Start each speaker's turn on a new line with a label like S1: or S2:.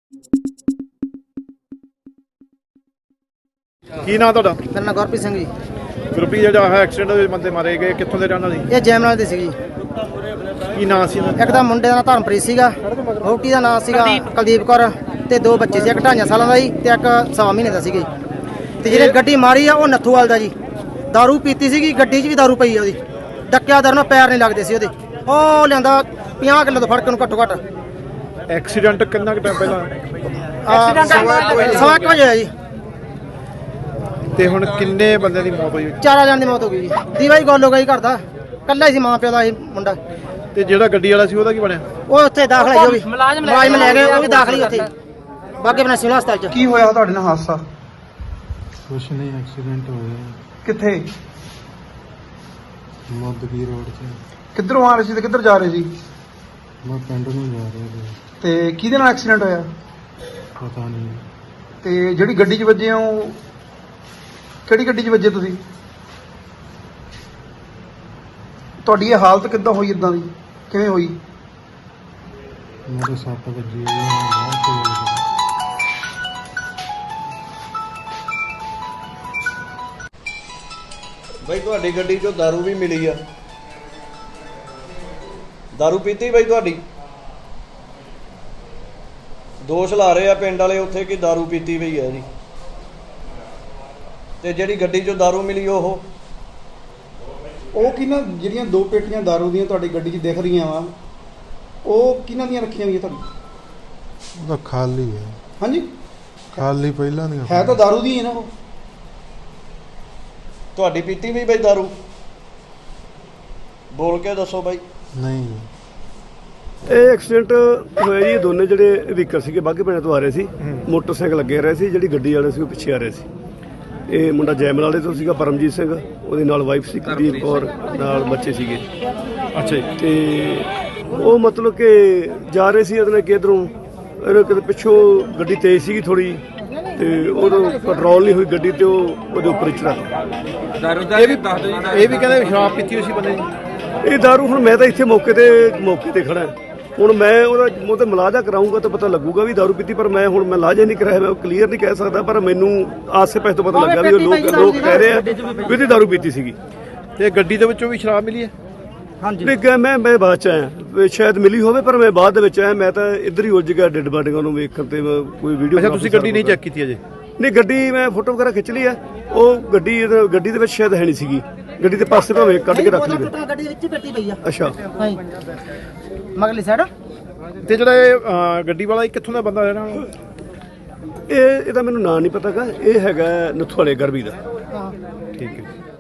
S1: ਕੀ ਨਾਂ ਤੁਹਾਡਾ?
S2: ਮੇਰਾ ਨਾਮ ਗੁਰਪ੍ਰੀਤ ਸਿੰਘ ਜੀ।
S1: ਗੁਰਪ੍ਰੀਤ ਜਿਹੜਾ ਹੈ ਐਕਸੀਡੈਂਟ ਦੇ ਬੰਦੇ ਮਾਰੇ ਗਏ, ਕਿੱਥੋਂ ਦੇ ਰਹਿਣ ਵਾਲੇ?
S2: ਇਹ ਜੈਮਨਾਲ ਦੇ ਸੀ ਜੀ।
S1: ਕੀ ਨਾਂ ਸੀ ਇਹਨਾਂ ਦਾ?
S2: ਇੱਕ ਤਾਂ ਮੁੰਡੇ ਦਾ ਨਾਂ ਧਰਮਪ੍ਰੀਤ ਸੀਗਾ, ਵਹੁਟੀ ਦਾ ਨਾਂ ਸੀਗਾ ਕੁਲਦੀਪ ਕੌਰ, ਤੇ ਦੋ ਬੱਚੇ ਸੀ, ਇੱਕ 2.5 ਸਾਲਾਂ ਦਾ ਜੀ ਤੇ ਇੱਕ 1.25 ਮਹੀਨੇ ਦਾ ਸੀਗਾ ਜੀ। ਤੇ ਜਿਹੜੇ ਗੱਡੀ ਮਾਰੀ ਆ ਉਹ ਨੱਥੂਵਾਲ ਦਾ ਜੀ। ਦਾਰੂ ਪੀਤੀ ਸੀਗੀ, ਗੱਡੀ 'ਚ ਵੀ ਦਾਰੂ ਪਈ ਆ ਉਹਦੀ। ਡੱਕਿਆ ਦਰ ਨਾਲ ਪੈਰ ਨਹੀਂ ਲੱਗਦੇ ਸੀ ਉਹਦੇ। ਉਹ ਲਿਆਂਦਾ 50 ਕਿਲੋ ਤੋਂ ਫੜ ਕੇ ਉਹਨੂੰ ਘੱਟੋ ਘੱਟ।
S1: ਐਕਸੀਡੈਂਟ ਕਿੰਨਾ ਕੁ ਟਾਈਮ ਪਹਿਲਾਂ?
S2: ਸਵਾ ਕੁ ਵਜੇ ਹੋਇਆ ਜੀ।
S1: ਤੇ ਹੁਣ ਕਿੰਨੇ ਬੰਦਿਆਂ ਦੀ ਮੌਤ ਹੋਈ?
S2: 4 ਜਣ ਦੀ ਮੌਤ ਹੋ ਗਈ ਜੀ। ਦੀਵਾ ਹੀ ਗੋਲ ਹੋ ਗਈ ਘਰ ਦਾ, ਕੱਲਾ ਹੀ ਸੀ ਮਾਂ ਪਿਓ ਦਾ ਇਹ ਮੁੰਡਾ।
S1: ਤੇ ਜਿਹੜਾ ਗੱਡੀ ਵਾਲਾ ਸੀ ਉਹਦਾ ਕੀ ਬਣਿਆ?
S2: ਉਹ ਉੱਥੇ ਦਾਖਲ ਹੈ, ਉਹ ਵੀ ਮੁਲਾਜ਼ਮ ਲੈ ਗਏ, ਉਹ ਵੀ ਦਾਖਲ ਹੀ ਉੱਥੇ ਬਾਗੇ ਬਣਾ ਸਿਵਲ ਹਸਪਤਾਲ 'ਚ।
S3: ਕੀ ਹੋਇਆ ਤੁਹਾਡੇ ਨਾਲ ਹਾਦਸਾ?
S4: ਕੁਛ ਨਹੀਂ, ਐਕਸੀਡੈਂਟ ਹੋਇਆ
S3: ਕਿੱਥੇ?
S4: ਮੋਦਗੀ ਰੋਡ 'ਤੇ।
S3: ਕਿੱਧਰੋਂ ਆ ਰਹੇ ਸੀ ਤੇ ਕਿੱਧਰ ਜਾ ਰਹੇ ਸੀ?
S4: ਮੈਂ ਪਿੰਡ ਨੂੰ ਜਾ ਰਿਹਾ ਸੀ।
S3: ਤੇ ਕਿਹਦੇ ਨਾਲ ਐਕਸੀਡੈਂਟ ਹੋਇਆ?
S4: ਪਤਾ ਨਹੀਂ।
S3: ਤੇ ਜਿਹੜੀ ਗੱਡੀ 'ਚ ਵੱਜੇ ਆ ਉਹ ਕਿਹੜੀ ਗੱਡੀ 'ਚ ਵੱਜੇ ਤੁਸੀਂ? ਤੁਹਾਡੀ ਇਹ ਹਾਲਤ ਕਿੱਦਾਂ ਹੋਈ, ਇਦਾਂ ਦੀ ਕਿਵੇਂ ਹੋਈ?
S4: ਮੇਰੇ 7 ਵਜੇ ਬਹੁਤ ਤੇਜ਼।
S5: ਬਈ ਤੁਹਾਡੀ ਗੱਡੀ 'ਚੋਂ ਦਾਰੂ ਵੀ ਮਿਲੀ ਆ। ਦਾਰੂ ਪੀਤੀ ਬਈ ਤੁਹਾਡੀ? ਦੋਸ਼ ਲਾ ਰਹੇ ਆ ਪਿੰਡ ਵਾਲੇ ਉੱਥੇ ਕਿ ਦਾਰੂ ਪੀਤੀ ਪਈ ਆ ਜੀ। ਤੇ ਜਿਹੜੀ ਗੱਡੀ 'ਚੋਂ ਦਾਰੂ ਮਿਲੀ ਉਹ
S3: ਕਿਹਨਾਂ, ਜਿਹੜੀਆਂ 2 ਪੇਟੀਆਂ ਦਾਰੂ ਦੀਆਂ ਤੁਹਾਡੀ ਗੱਡੀ 'ਚ ਦਿਖ ਰਹੀਆਂ ਵਾ, ਉਹ ਕਿਹਨਾਂ ਦੀਆਂ ਰੱਖੀਆਂ ਹੋਈਆਂ ਤੁਹਾਡੀ?
S4: ਉਹ ਤਾਂ ਖਾਲੀ ਹੈ।
S3: ਹਾਂਜੀ,
S4: ਖਾਲੀ ਪਹਿਲਾਂ ਦੀਆਂ
S3: ਹੈ ਤਾਂ ਦਾਰੂ ਦੀਆਂ ਹੀ ਨਾ ਉਹ।
S5: ਤੁਹਾਡੀ ਪੀਤੀ ਵੀ ਬਈ ਦਾਰੂ? ਬੋਲ ਕੇ ਦੱਸੋ ਬਾਈ।
S4: ਨਹੀਂ।
S6: ਇਹ ਐਕਸੀਡੈਂਟ ਹੋਇਆ ਜੀ। ਦੋਨੇ ਜਿਹੜੇ ਵਹੀਕਲ ਸੀਗੇ ਬਾਘੇ ਪਿੰਡ ਤੋਂ ਆ ਰਹੇ ਸੀ, ਮੋਟਰਸਾਈਕਲ ਲੱਗੇ ਰਹੇ ਸੀ। ਜਿਹੜੀ ਗੱਡੀ ਵਾਲੇ ਸੀ ਉਹ ਪਿੱਛੇ ਆ ਰਹੇ ਸੀ। ਇਹ ਮੁੰਡਾ ਜੈਮਲ ਵਾਲੇ ਤੋਂ ਸੀਗਾ, ਪਰਮਜੀਤ ਸਿੰਘ, ਉਹਦੇ ਨਾਲ ਵਾਈਫ ਸੀ ਕੁਲਦੀਪ ਕੌਰ, ਨਾਲ ਬੱਚੇ ਸੀਗੇ।
S1: ਅੱਛਾ ਜੀ।
S6: ਤੇ ਉਹ ਮਤਲਬ ਕਿ ਜਾ ਰਹੇ ਸੀ ਉਹਨੇ ਕਿਧਰੋਂ, ਇਹਨੇ ਕਿਤੇ ਪਿੱਛੋਂ ਗੱਡੀ ਤੇਜ਼ ਸੀਗੀ ਥੋੜੀ, ਤੇ ਉਦੋਂ ਕੰਟਰੋਲ ਨਹੀਂ ਹੋਈ ਗੱਡੀ, ਤੇ ਉਹ ਉਹਦੇ ਉੱਪਰ ਚੜਾ।
S1: ਇਹ ਵੀ ਕਹਿੰਦੇ ਸ਼ਰਾਬ ਪੀਤੀ ਹੋਈ ਸੀ ਬੰਦੇ ਦੀ।
S6: ਇਹ ਦਾਰੂ, ਹੁਣ ਮੈਂ ਤਾਂ ਇੱਥੇ ਮੌਕੇ ਤੇ ਖੜਾ। ਹੁਣ ਮੈਂ ਉਹਦਾ ਤੇ ਮਲਾਜਾ ਕਰਾਊਂਗਾ ਤਾਂ ਪਤਾ ਲੱਗੂਗਾ ਵੀ ਦਾਰੂ ਪੀਤੀ, ਪਰ ਮੈਂ ਹੁਣ ਮਲਾਜਾ ਨਹੀਂ ਕਰਾਇਆ, ਮੈਂ ਕਲੀਅਰ ਨਹੀਂ ਕਹਿ ਸਕਦਾ। ਪਰ ਮੈਨੂੰ ਆਸੇ ਪਾਸੇ ਤੋਂ ਪਤਾ ਲੱਗਾ ਵੀ ਉਹ ਲੋਕ ਕਹਿ ਰਹੇ ਆ ਵੀ ਇਹਦੀ ਦਾਰੂ ਪੀਤੀ ਸੀਗੀ।
S1: ਤੇ ਗੱਡੀ ਦੇ ਵਿੱਚੋਂ ਵੀ ਸ਼ਰਾਬ ਮਿਲੀ ਹੈ?
S2: ਹਾਂਜੀ।
S6: ਨਹੀਂ, ਮੈਂ ਬਾਅਦ ਚ ਆਇਆ, ਸ਼ਾਇਦ ਮਿਲੀ ਹੋਵੇ, ਪਰ ਮੈਂ ਬਾਅਦ ਦੇ ਵਿੱਚ ਆਇਆ। ਮੈਂ ਤਾਂ ਇੱਧਰ ਹੀ ਉਲਝ ਗਿਆ ਡੈਡ ਬਾਡੀਆਂ ਨੂੰ ਵੇਖਣ ਤੇ। ਕੋਈ ਵੀਡੀਓ।
S1: ਅੱਛਾ, ਤੁਸੀਂ ਗੱਡੀ ਨਹੀਂ ਚੈੱਕ ਕੀਤੀ ਅਜੇ?
S6: ਨਹੀਂ, ਗੱਡੀ ਮੈਂ ਫੋਟੋ ਵਗੈਰਾ ਖਿੱਚ ਲਈ ਆ। ਉਹ ਗੱਡੀ ਦੇ ਵਿੱਚ ਸ਼ਾਇਦ ਹੈ ਨਹੀਂ ਸੀਗੀ। ਗੱਡੀ ਦੇ ਪਾਸੇ ਭਾਵੇਂ ਕੱਢ ਕੇ ਰੱਖ ਲਈ।
S2: ਗੱਡੀ ਦੇ ਵਿੱਚ ਹੀ ਪੱਟੀ ਪਈ ਆ।
S6: ਅੱਛਾ।
S2: ਹਾਂਜੀ, ਮਗਲੀ ਸਾਈਡ।
S1: ਤੇ ਜਿਹੜਾ ਇਹ ਗੱਡੀ ਵਾਲਾ ਇਹ ਕਿੱਥੋਂ ਦਾ ਬੰਦਾ ਰਹਿਣਾ?
S6: ਇਹਦਾ ਮੈਨੂੰ ਨਾਂ ਨਹੀਂ ਪਤਾਗਾ। ਇਹ ਹੈਗਾ ਨੱਥੂ ਵਾਲੇ ਗਰਬੀ ਦਾ।
S2: ਹਾਂ।
S1: ਠੀਕ ਹੈ।